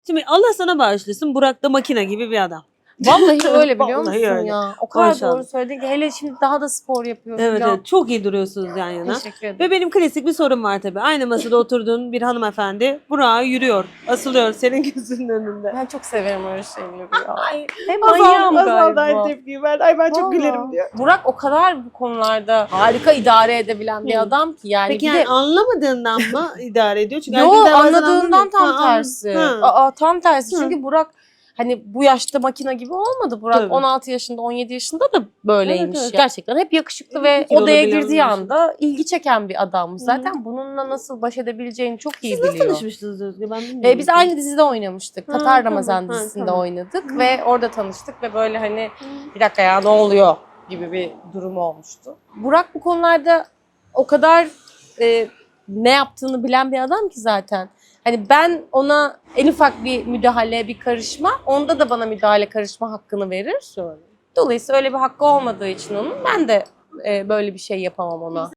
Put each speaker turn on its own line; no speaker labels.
Şimdi Allah sana bağışlasın, Burak da makine gibi bir adam.
Vallahi öyle biliyor
Vallahi
musun
öyle.
ya? O kadar
Maşallah.
doğru söyledin ki hele şimdi daha da spor yapıyor
Evet,
falan.
evet, çok iyi duruyorsunuz yan yana.
Teşekkür ederim.
Ve benim klasik bir sorum var tabii. Aynı masada oturduğun bir hanımefendi Burak'a yürüyor, asılıyor senin gözünün önünde.
Ben çok severim öyle şeyleri ya.
Ay,
Hem
Azal
manyağım
da
galiba.
aynı tepkiyi verdi. Ay ben çok
Vallahi.
gülerim diyor.
Burak o kadar bu konularda harika idare edebilen bir
Hı.
adam ki yani.
Peki
bir
yani
de
anlamadığından mı idare ediyor? Çünkü
yo
erkekler bazen
anladığından
anlamıyor.
tam
Ha,
tersi.
ha.
Aa, tam tersi.
Hı.
Çünkü Burak hani bu yaşta makine gibi olmadı. Burak
Tabii.
16 yaşında, 17 yaşında da böyleymiş.
Evet, evet.
Gerçekten hep yakışıklı ve
Kilolu
odaya
bilen
girdiği
bir
anda ilgi çeken bir adammış.
Hı.
Zaten bununla nasıl baş edebileceğini çok iyi
Siz nasıl
biliyor.
tanışmıştınız Özge? Ben bilmiyorum.
Biz aynı dizide oynamıştık.
Ha,
Tatar
tamam.
Ramazan
Ha,
dizisinde
tamam.
oynadık ve orada tanıştık ve böyle hani bir dakika ya ne oluyor gibi bir durum olmuştu. Burak bu konularda o kadar ne yaptığını bilen bir adam ki zaten. Hani ben ona en ufak bir müdahale, bir karışma, onda da bana müdahale, karışma hakkını verir. Dolayısıyla öyle bir hakkı olmadığı için onun ben de böyle bir şey yapamam ona.